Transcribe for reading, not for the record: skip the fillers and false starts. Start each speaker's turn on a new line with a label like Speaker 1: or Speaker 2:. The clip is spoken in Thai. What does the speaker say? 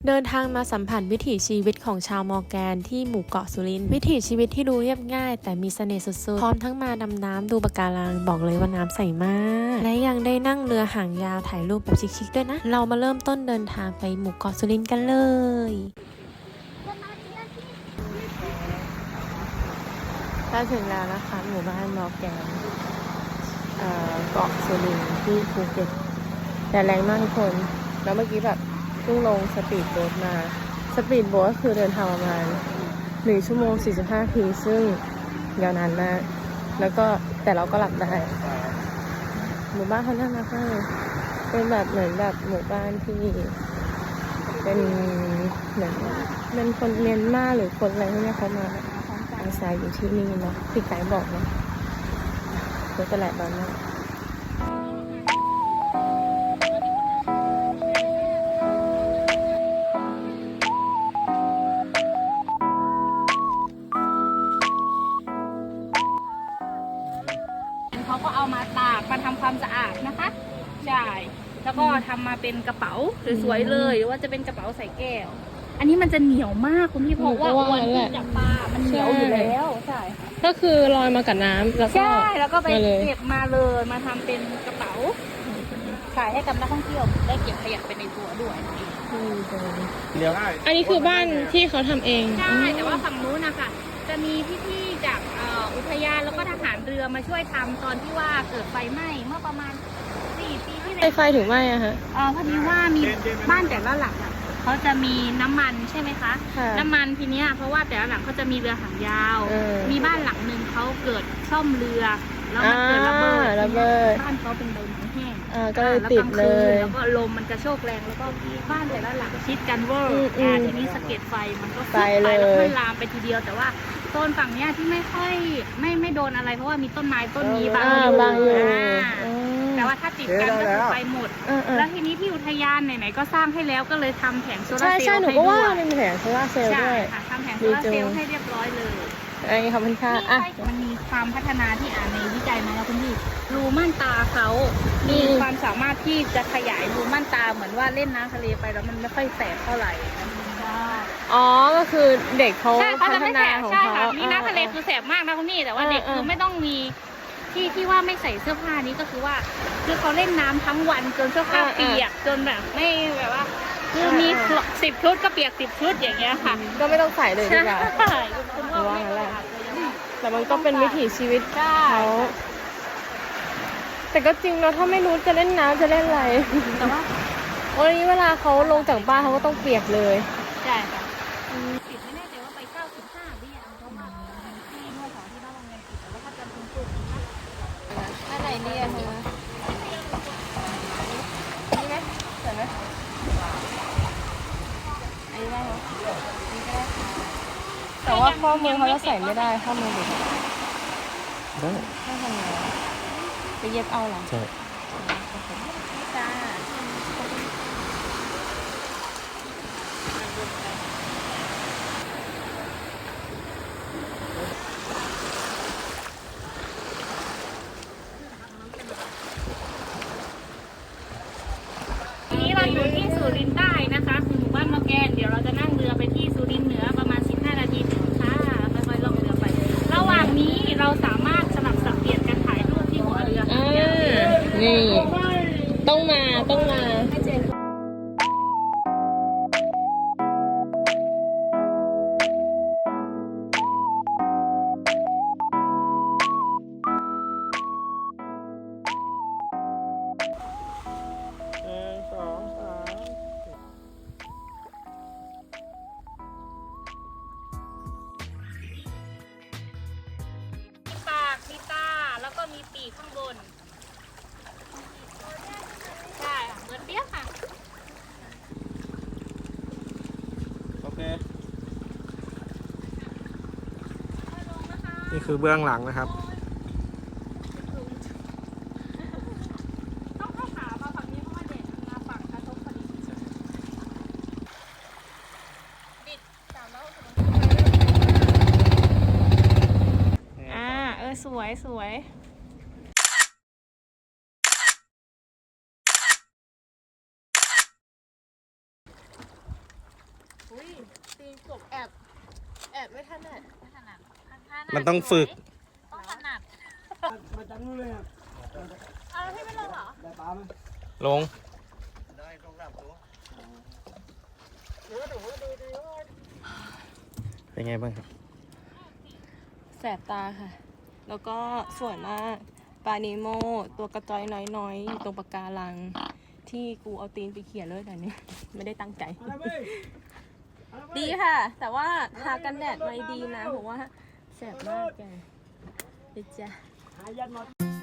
Speaker 1: เดินทางมาสัมผัสวิถีชีวิตของชาวมอร์แกนที่หมู่เกาะสุรินทร์วิถีชีวิตที่ดูเรียบง่ายแต่มีเสน่ห์สุดๆพร้อมทั้งมาดำน้ำดูปะการังบอกเลยว่าน้ำใสมากและยังได้นั่งเรือหางยาวถ่ายรูปแบบชิคๆด้วยนะเรามาเริ่มต้นเดินทางไปหมู่เกาะสุรินทร์กันเลยถ้าถึงแล้วนะคะหมู่บ้านมอร์แกนเกาะสุรินทร์ที่ภูเก็ตแต่แรงมากทุกคนแล้วเมื่อกี้แบบเพิ่งลงสปีดโบ๊ทมาสปีดโบ๊ทก็คือเดินทางประมาณ1 ชั่วโมง 45 นาทีซึ่งยาวนานมากแล้วก็แต่เราก็หลับได้หมู่บ้านเขาน่ารักมากเป็นแบบเหมือนแบบหมู่บ้านที่เป็นเหมือนเป็นคนเมียนมาหรือคนอะไรพวกนี้เขามาอาศัยอยู่ที่นี่เนาะพี่ไก่บอกเนาะก็จะแหลกบ้านมาก
Speaker 2: เขาก็เอามาตากมาทำความสะอาดนะคะใช่แล้วก็ทำมาเป็นกระเป๋าสวยๆเลยหรือว่าจะเป็นกระเป๋าใส่แก้วอันนี้มันจะเหนียวมากคุณพี่เพราะว่าวันที่จับปลามันเหนียวอยู่แล้วใช่
Speaker 1: ก็คือลอยมากับน้ำแล้วก็
Speaker 2: ใช่แล้วก็ไปเก็บมาเลยมาทำเป็นกระเป๋าขายให้กับนักท่องเที่ยวได้เก็บขยะไปในตัวด้วย
Speaker 1: อันนี้คือบ้านที่เขาทำเอง
Speaker 2: ใช่แต่ว่าฝั่งนู้นนะคะจะมีพี่ๆจากอุทยานแล้วก็ทหารเรือมาช่วยทำตอนที่ว่าเกิดไฟไหม้เมื่อประมาณ4 ปีที่แล้ว
Speaker 1: ไฟถึงไหมอะฮะ
Speaker 2: พอดีว่ามีบ้านแต่ละหลังเขาจะมีน้ำมันใช่ไหมคะน้ำมันทีเนี้ยเพราะว่าแต่ละหลังเขาจะมีเรือหางยาวมีบ้านหลังหนึ่งเขาเกิดซ่อมเรือแล้วมันเกิดระเบิดบ้านเขาเป็นใบไม้แห้ง
Speaker 1: ก็เลยติดเลย
Speaker 2: แล้วก็ลมมันกระโชกแรงแล้วก็บ้านแต่ละหลังชิดกันเวอร์ทีนี้สะเก็ดไฟมันก็ขึ้นไปแล้วก็ลามไปทีเดียวแต่ว่าโซนฝั่งเนี้ยที่ไม่ค่อยไม่โดนอะไรเพราะว่ามีต้นไม้ต้นนี้บางอยู่แต่ว่าถ้าติดกันก็คือไปหมดแล้วทีนี้ที่อุทยานไหนๆก็สร้างให้แล้วก็เลยทำแผงโซลาร์เซลล์ให้ด้วย
Speaker 1: หนูก็ว่ามันมีแผงโซลาร์เซลล์ด้วย
Speaker 2: ค่ะทำแผงโซลาร์เซลล์ให้เรียบร้อยเลย
Speaker 1: ขอบคุณค่ะ
Speaker 2: มันมีความพัฒนาที่ในวิจัยมาแล้วคุณพี่รูม่านตาเขามีความสามารถที่จะขยายรูม่านตาเหมือนว่าเล่นน้ำทะเลไปแล้วมันไม่ค่อยแสบเท่าไหร่
Speaker 1: อ๋อก็คือเด็กเขาพัฒนาของเขา
Speaker 2: นี่น้ำทะเลคือแสบมากนะคุณพี่แต่ว่าเด็กคือไม่ต้องมีที่ว่าไม่ใส่เสื้อผ้านี้ก็คือว่าคือเขาเล่นน้ำทั้งวันจนเสื้อผ้าเปียกจนแบบไม่แบบว่าคือมี10 ชุดก็เปียก10 ชุดอย่างเงี้ยค่ะ
Speaker 1: ก็ไม่ต้องใส่เลยดีกว่า
Speaker 2: ใช่คุณว่างั้นแหละ
Speaker 1: แต่มันก็เป็นวิถีชีวิตเขาแต่ก็จริงเนาะถ้าไม่รู้จะเล่นน้ำจะเล่นอะไร
Speaker 2: แต่ว่า
Speaker 1: วันนี้เวลาเขาลงจากบ้านเขาก็ต้องเปียกเลย
Speaker 2: ใช่ค่ะปิดไม่แน่ใจว่าไป95หรือยังเพราะว่าที่เมื่อสองที่บ้านโรงเรียนปิดแต่ว่าถ้าจำคุณครู
Speaker 1: ถ้าไหนดีอะเธอนี่ไหมใส่ไหมอันนี้ได้ไหมนี่ก็ได้แต่ว่าข้อมือเขาจะใส่ไม่ได้ข้อมือเด็กได้ไม่ทำไงไปเย็บเอาหรอใช่จ้า
Speaker 2: เราอยู่ที่สุรินทร์ใต้นะคะหมู่บ้านมะแกนเดี๋ยวเราจะนั่งเรือไปที่สุรินทร์เหนือประมาณ15 นาทีถึงค่ะค่อยๆล่องเรือไประหว่างนี้เราสามารถสลับสับเปลี่ยนกันถ่ายรูปที่หัวเรือ
Speaker 1: นี่ต้องมา
Speaker 2: มีตาแล้วก็มีปีกข้างบนใช่เหมือนเปี้ยค่ะ
Speaker 3: โอเคนี่คือเบื้องหลังนะครับ
Speaker 2: ต้องเข้าขามาฝั่งนี้เพราะว่าเด็กมาฝั่งกระทบพอดีบิด360สวย
Speaker 1: ตีนกบแอบ ไม่ถนัด
Speaker 2: ไม่ถนัด
Speaker 3: มันต้องฝึก
Speaker 2: ต้องถนัด
Speaker 4: มาจังนู้นเลยครับ
Speaker 1: เอาแล้วพี่ไม่ลงเหรอ
Speaker 4: ได้ปลาไหม
Speaker 3: ลง
Speaker 4: ได้ต้องรับตัว
Speaker 3: เป็นไงบ้างครับ
Speaker 1: แสบตาค่ะ แล้วก็สวยมากปลานิโมตัวกระจอยน้อยๆอยู่ตรงปะการัง ที่กูเอาตีนไปเขี่ยเลยแต่เนี้ยไม่ได้ตั้งใจ
Speaker 4: อะไรเว้ย
Speaker 1: ดีค่ะ แต่ว่าทากันแดดไว้ดีนะเพราะว่าแสบมากแกดิจ้ะ
Speaker 4: หายันมา